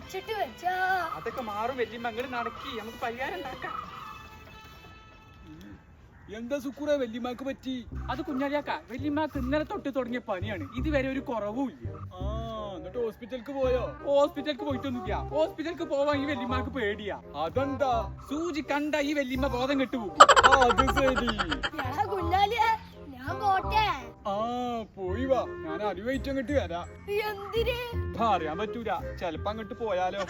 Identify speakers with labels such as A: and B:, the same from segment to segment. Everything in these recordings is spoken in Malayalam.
A: വെച്ചിട്ട് വെച്ചാ
B: അതൊക്കെ മാറും വല്യമ്മ. അങ്ങോട്ട് നടക്കി നമുക്ക് പരിഹാരം ഉണ്ടാക്കാം.
C: എന്താ സുക്കൂറെ വല്യമ്മക്ക് പറ്റി?
B: അത് കുഞ്ഞാലിയാക്ക, വല്യമ്മക്ക് ഇന്നലെ തൊട്ട് തുടങ്ങിയ പനിയാണ്. ഇതുവരെ ഒരു കുറവുമില്ല.
C: എന്നിട്ട് ഹോസ്പിറ്റലിക്ക് പോയോ?
B: ഹോസ്പിറ്റലിക്ക് പോയിട്ടൊന്നുമില്ല. ഹോസ്പിറ്റലിക്ക് പോവാൻ ഈ വല്യമ്മക്ക് പേടിയാ.
C: അതെന്താ?
B: സൂചി കണ്ട ഈ വല്യമ്മ ബോധം കെട്ടുപോകും.
C: അത് ശരി.
A: കുഞ്ഞാലിയെ ഞാൻ പോട്ടെ.
C: പോയി വാ, ഞാൻ അറിവായിട്ട് അങ്ങോട്ട് വരാം.
A: എന്തിന്?
B: അറിയാൻ പറ്റൂല, ചെലപ്പോ അങ്ങോട്ട് പോയാലോ.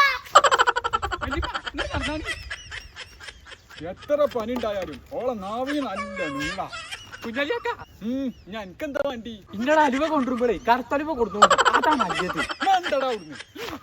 C: എത്ര പനി ഉണ്ടായാലും ഓളെ നാവിന് നല്ല നീള.
B: കുഞ്ഞാലിയാക്ക,
C: ഞാൻ എനിക്കെന്താ വേണ്ടി?
B: ഇന്നടെ അലുവ കൊണ്ടുവരുമ്പോഴേ കറുത്തലുവ കൊടുത്തു. അതാ നല്ലത്.
C: എന്താടാ അവിടുന്ന്?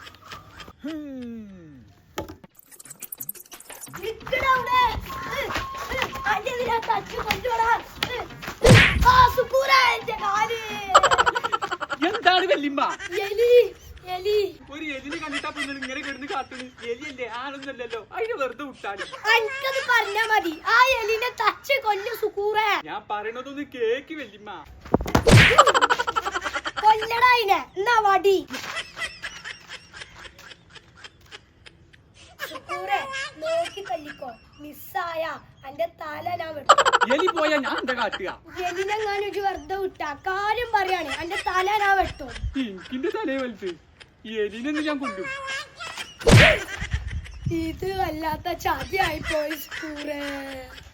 B: എന്താണ് വല്യമ്മ?
A: ഒരു
B: എലിനെ കണ്ടിട്ടാ പിന്നെ ഇങ്ങനെ കിടന്ന് കാട്ടുന്നു. എലിയല്ലേ, ആണൊന്നല്ലല്ലോ. അതിന് വെറുതെ വിട്ടാല്
A: എനിക്കത് പറഞ്ഞാ മതി. ആ എലിനെ തച്ച് കൊല്ലു സുക്കൂറേ.
B: ഞാൻ പറയണതൊന്ന് കേക്ക് വല്യമ്മ.
A: കൊല്ലടാ അതിനെ. എന്നാ വടി. സുക്കൂറേ, നോക്കി തല്ലിക്കോ. മിസ്സായ എന്റെ തല ഞാൻ വെട്ടും.
B: എലി പോയാ ഞാൻ എന്താ കാട്ടുക?
A: എലിനെങ്ങാനും വെറുതെ വിട്ടാ കാര്യം പറയാണ്. എന്റെ തല ഞാൻ വെട്ടും.
B: എനിക്കിന്റെ തലയെ വലുത്. ഈ എലിനൊന്നും ഞാൻ കൊല്ലും.
A: ഇത് വല്ലാത്ത ചതിയായി പോയി സുക്കൂറേ.